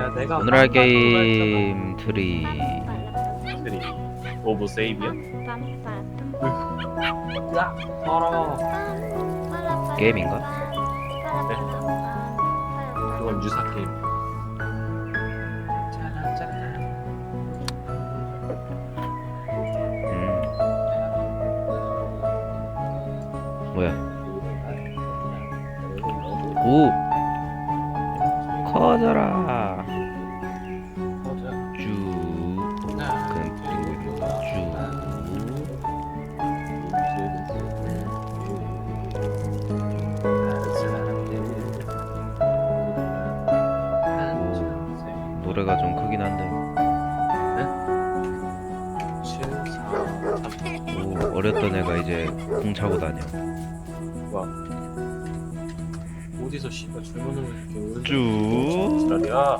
내가 오늘 할 게임 트리. 트리 오브 세이비야? 야 더러워. 게임인가? 그건 유사 게임. 짜라짜라. 뭐야? 오! 커져라! 쭉. 그냥 그리고 이거 쭉. 노래가 좀 크긴 한데. 오, 어렸던 애가 이제 공 차고 다녀. 와. 어디서 씨발 주문을 이렇게 쭉. 지랄이야.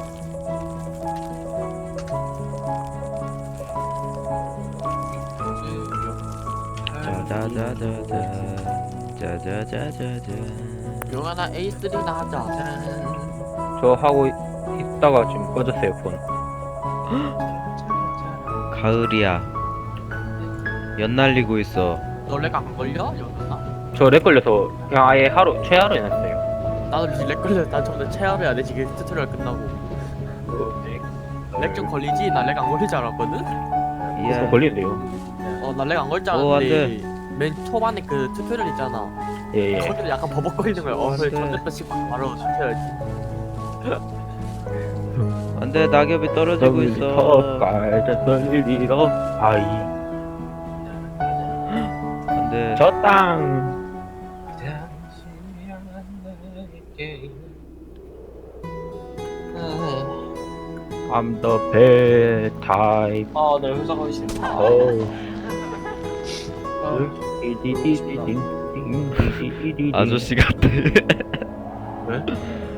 짜자자자자. 짜자자자자. 영화나 A3 나가자. 저 하고 있다가 지금 꺼졌어요 폰. 가을이야. 연날리고 있어. 너 렉 안 걸려? 영화나? 저 렉 걸려서 그냥 아예 하루 최하로 해놨어요. 나도 지금 렉 걸려. 난 처음에 체험해야 돼. 지금 튜토리얼 끝나고. 렉 좀 걸리지? 나 렉 안 걸릴 줄 알았거든? 폰 걸리는데요. 나 렉 안 걸릴 줄 오, 안 알았는데 맨 초반에 그 튜토리얼 있잖아. 예예. 거기서 약간 버벅거리는 거야. 안 돼. 전대표씩 바로 튜토리얼. 안돼, 낙엽이 떨어지고 있어. 깔짝떨리러 아이 안돼. 저 땅. I'm the bad type. 아, 내 회사 가기 싫다. 아저씨 같아. 왜?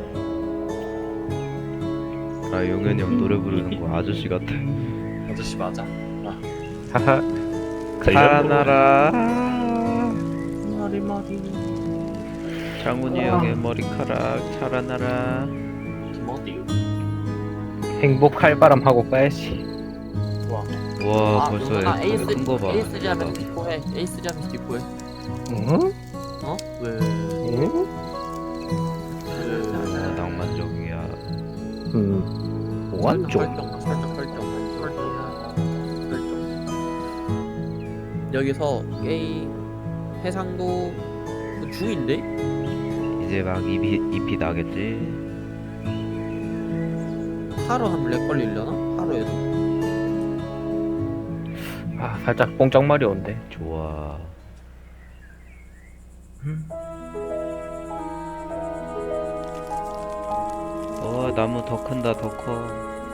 아, 용현이 형 노래 부르는 거 아저씨 같아. 아저씨 맞아? 하하. 살아나라. 머리 장훈이 형의 머리카락 살아나라. 김어디. 행복할 바람 하고 가야지. 와, 벌써 영화나 큰 거 봐. A3 하면 디코해. A3 하면 디코해. 응? 어? 왜? 응? 아, 낭만적이야. 완전. 설정. 여기서 게임 해상도 그 중인데? 이제 막 잎이 나겠지. 하루 하면 렉 걸리려나? 하루에도? 아 살짝 뽕짝말이 온대. 좋아. 나무 더 큰다, 더 커.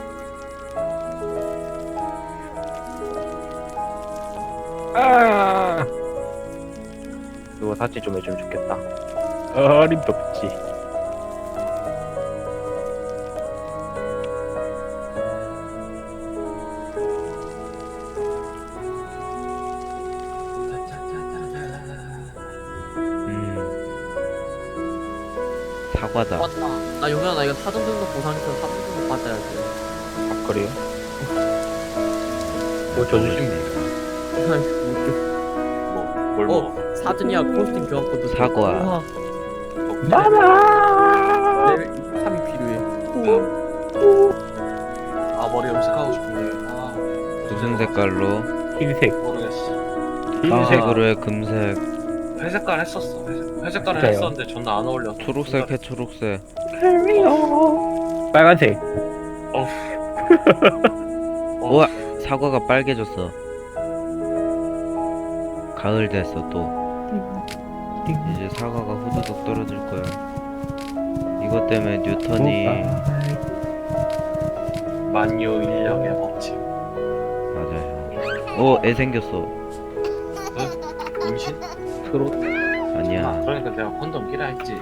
아. 누가 사치 좀 해주면 좋겠다. 어림도 없지. 사과다. 맞다. 나 용현아 나 이거 사전 등록 보상해서 사전 등록 받아야 돼. 아 그래요? 뭐 줘주시면 뭘 먹어? 사전이야 코스튬 교환권도 사과. 우와, 마마. 레벨 3이 필요해. 아, 머리 염색하고 싶은데. 아, 무슨 색깔로? 흰색. 모르겠어. 흰색으로 해, 금색. 회색깔 했었어. 회색깔을 진짜요? 했었는데 존나 안 어울려. 초록색 해, 초록색. 빨간색. 우와, 사과가 빨개졌어. 가을 됐어, 또. 이제 사과가 후두둑 떨어질 거야. 이것 때문에 뉴턴이. 만유 인력의 법칙. 맞아요. 오, 애 생겼어. 임신? 트롯. 아니야. 그러니까 내가 콘돔 끼라 했지.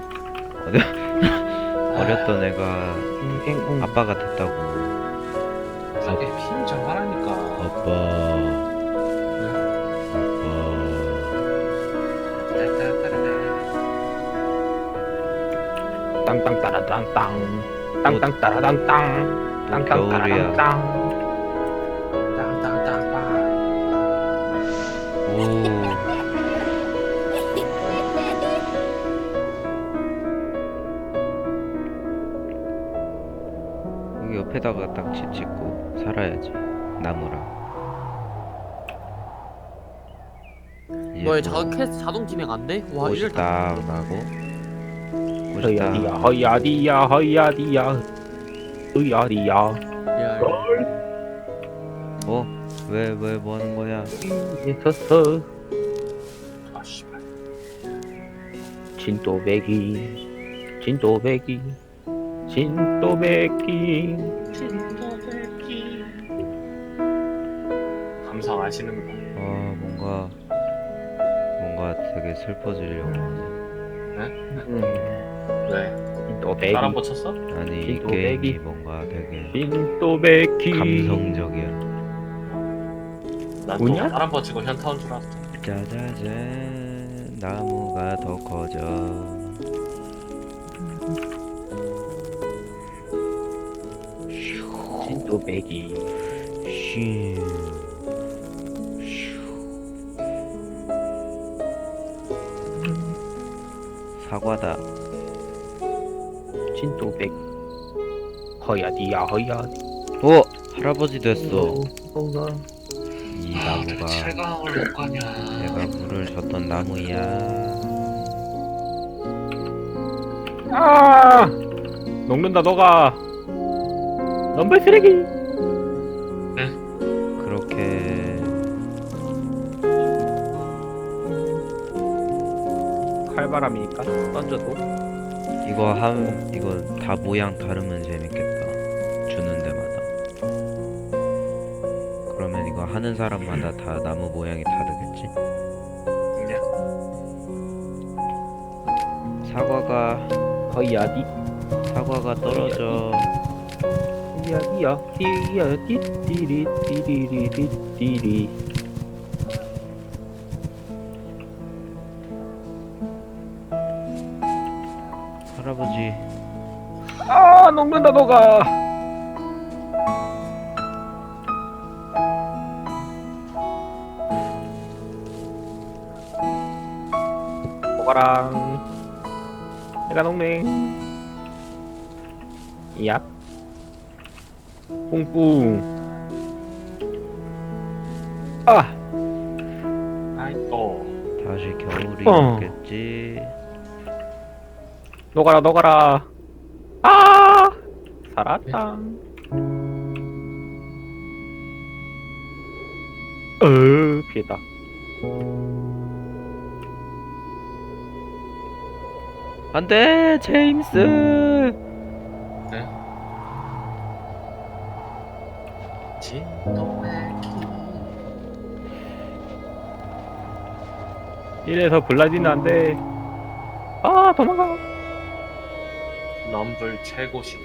어렸던 애가 아빠가 됐다고. 자기 피임 좀 하라니까. 아빠. 따따따라따. 땅땅따라땅땅. 땅땅 따라당땅. 또 땅땅 겨울이야. 따라당땅. 땅땅땅땅. 오. 여기 옆에다가 딱 짓고 살아야지. 나무랑. 이제 너의 또 작은 퀘스트 자동 진행 안 돼? 와 옷이 이럴 딱 나고. 옷이 딱. 허야디야 허야디야 허야디야 허야디야. 야 어? 왜 뭐 하는 거야? 있었어 아 씨발. 진또배기 진또배기 진또배기. 감상 아시는구나. 뭔가 되게 슬퍼지려고 하네. 왜? 진또배기 사람 붙였어? 아니 이 진또 게임이 배기. 뭔가 되게 진또배기. 감성적이야. 난또 뭐냐? 사람 붙이고 현타 온 줄 알았어. 짜자잔 나무가 더 커져. 진또배기. 슈. 사과다. 진또배기 허야디야 허야디. 오! 할아버지 됐어. 이 왜 나무가 철강을 못 가냐? 내가 물을 줬던 나무야. 아 녹는다 너가. 넘버 쓰레기. 그렇게 칼바람이니까 던져도. 이거 다 모양 다르면 재밌겠다. 주는 데마다. 그러면 이거 하는 사람마다 다 나무 모양이 다르겠지? 그냥 사과가 떨어져. 야디야 디야 디디리 디리리 디리. 할아버지 아 녹는다 너가. 먹어랑. 내가 녹네. 얍. 뿡뿡. 아 아이 또 다시 겨울이 어. 오겠지. 녹아라 녹아라. 아 살았다. 피했다. 안돼 제임스. 진또배기. 이래서 블라디는 안돼. 아 도망가. 럼블 최고시다.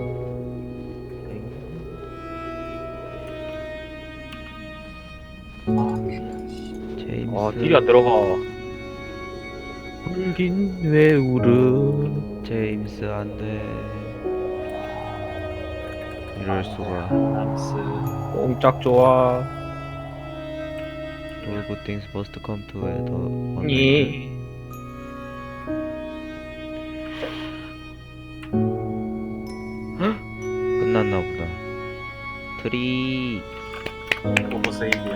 제임스. 아 딜이 안 들어가. 울긴 왜 울어. 제임스 안돼. 이럴 수가. 남스. 뽕짝 좋아. All good things must come to an end. 예. 끝났나 보다. 트리. 오버 세이비야.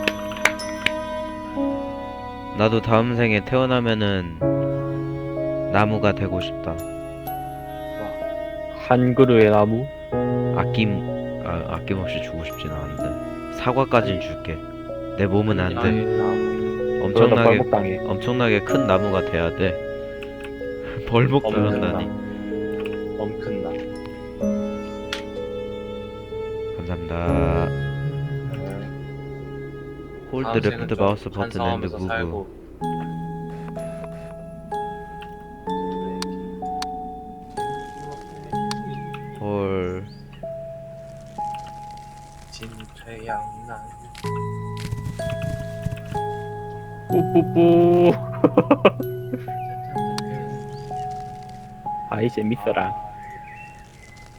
나도 다음 생에 태어나면은 나무가 되고 싶다. 한 그루의 나무. 아낌없이 주고 싶진 않은데 사과까진 줄게. 내 몸은 안 돼. 엄청나게 벌목당해. 엄청나게 큰 나무가 돼야 돼. 벌목 당한다니. 엄큰 나. 감사합니다. 홀드 레프트 마우스 버튼 앤드 무브. 살고. 헐. 진퇴양난. 뿌뿌뿌. 아이 재밌어라.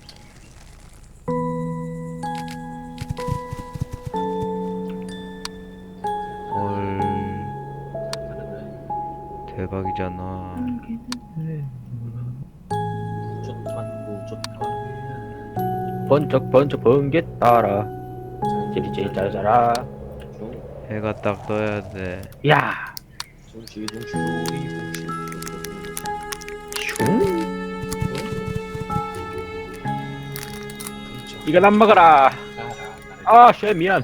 아니잖아. 무조건 번쩍 번개 따라 찌리찌리 짜자라. 해가 딱 떠야 돼. 야 둥지 둥지 우리 둥지 슝 이거 난 먹어라. 아, 쉣, 미안.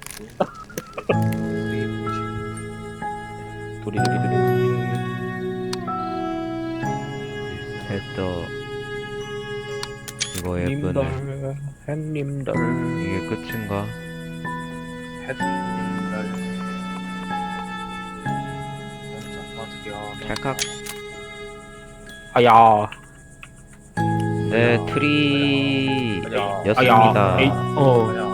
두리두리두리. 해 떠. 이거 예쁘네. 햇님들 햇님들. 이게 끝인가? 햇님들 어떻게야 찰칵. 아야 네, 트리 아야. 였습니다. 에이, 아야